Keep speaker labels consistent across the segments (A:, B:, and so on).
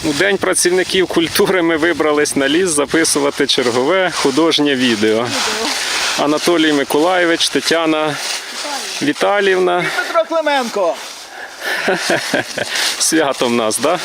A: У День працівників культури ми вибрались на ліс записувати чергове художнє відео. Анатолій Миколайович, Тетяна Віталіївна.
B: І Петро Клименко.
A: Свято в нас, так? Да?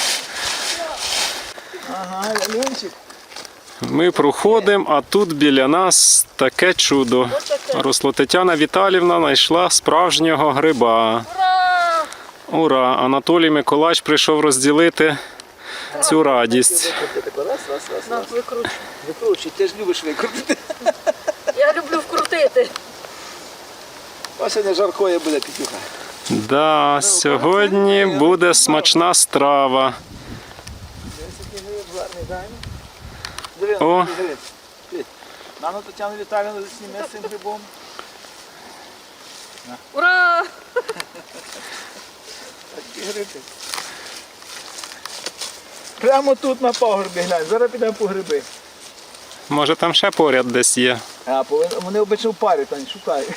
B: Ага, Лунчик.
A: Ми проходимо, а тут біля нас таке чудо. Росло. Тетяна Віталіївна знайшла справжнього гриба.
C: Ура!
A: Ура! Анатолій Миколайович прийшов розділити цю радість.
C: На, викручу.
B: Викручуй, ти ж любиш викрутити.
C: Я люблю вкрутити.
B: Ось сьогодні жаркое буде, Петюха.
A: Да, сьогодні буде смачна страва. О.
B: Нану Тетяну Віталіївну засніме з цим грибом.
C: Ура!
B: Такі гриби. Прямо тут на пагорбі глянь, зараз підемо по гриби.
A: Може там ще поряд десь є.
B: А, вони обично в парі, там шукають.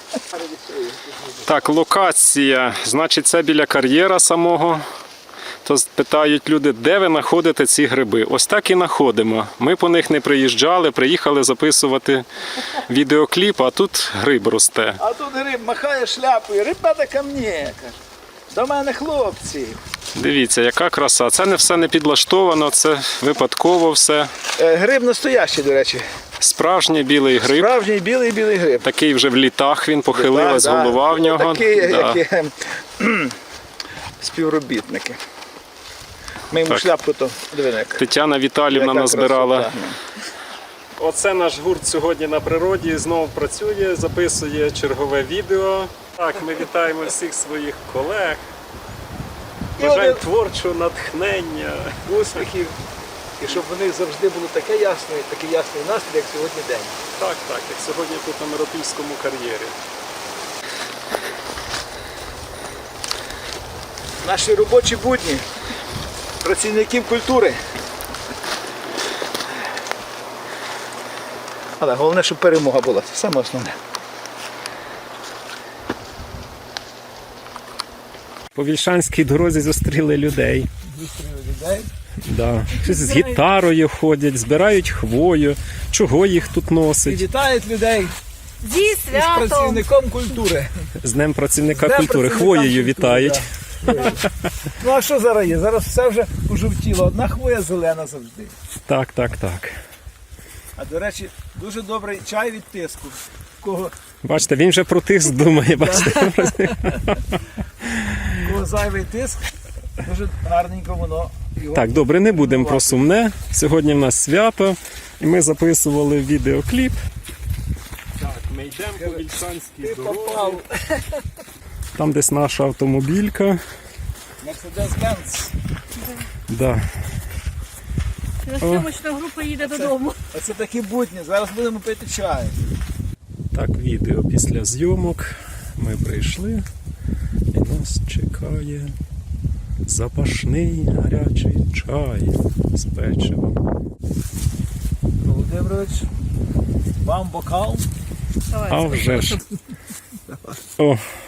A: Так, локація. Значить, це біля кар'єра самого. То питають люди, де ви знаходите ці гриби. Ось так і знаходимо. Ми по них не приїжджали, приїхали записувати відеокліп, а тут гриб росте.
B: А тут гриб махає шляпою, ребята ко мені, каже. До мене хлопці.
A: Дивіться, яка краса. Це не все не підлаштовано, це випадково все.
B: Гриб настоящий, до речі.
A: Справжній білий гриб.
B: Справжній білий гриб.
A: Такий вже в літах він, похилилась
B: Да,
A: голова в нього.
B: Такі,
A: Да.
B: як співробітники. Ми йому
A: Так.
B: шляпку то диви.
A: Тетяна Віталіївна
B: Яка
A: назбирала.
B: красота.
A: Оце наш гурт сьогодні на природі, знову працює, записує чергове відео. Так, ми вітаємо всіх своїх колег. Бажаємо творчого натхнення.
B: Успіхів. І щоб вони завжди було такий ясний настрій, як сьогодні день.
A: Так, так, як сьогодні тут на Миропільському кар'єрі.
B: Наші робочі будні працівників культури. Але головне, щоб перемога була. Це саме основне.
A: По Вільшанській дорозі зустріли людей.
B: Зустріли людей.
A: Да. Щось з гітарою ходять, збирають хвою. Чого їх тут
B: І
A: носить?
B: вітають людей
C: Зі
B: із
C: святом!
B: працівником культури.
A: З Днем працівника
B: Днем
A: культури.
B: працівника
A: Хвоєю
B: культури,
A: вітають.
B: да. Ну а що зараз є? Зараз все вже пожовтіло. Одна хвоя зелена завжди.
A: Так, так, так.
B: А до речі, дуже добрий чай від тиску. Кого
A: Бачите, він вже про тиск думає. Бачите?
B: зайвий тиск, дуже гарненько воно. його
A: Так, добре, не будемо про сумне. Сьогодні в нас свято, і ми записували відеокліп. Так, ми йдемо по Вільшанській
B: попав.
A: Там десь наша автомобілька.
B: Мерседес-Бенц.
A: Да.
C: Зйомочна група їде додому.
B: Оце такі будні. Зараз будемо пити чай.
A: Так, відео після зйомок. Ми прийшли і нас чекає запашний гарячий чай з печивом.
B: Володимирович, вам бокал.
A: А вже ж. О,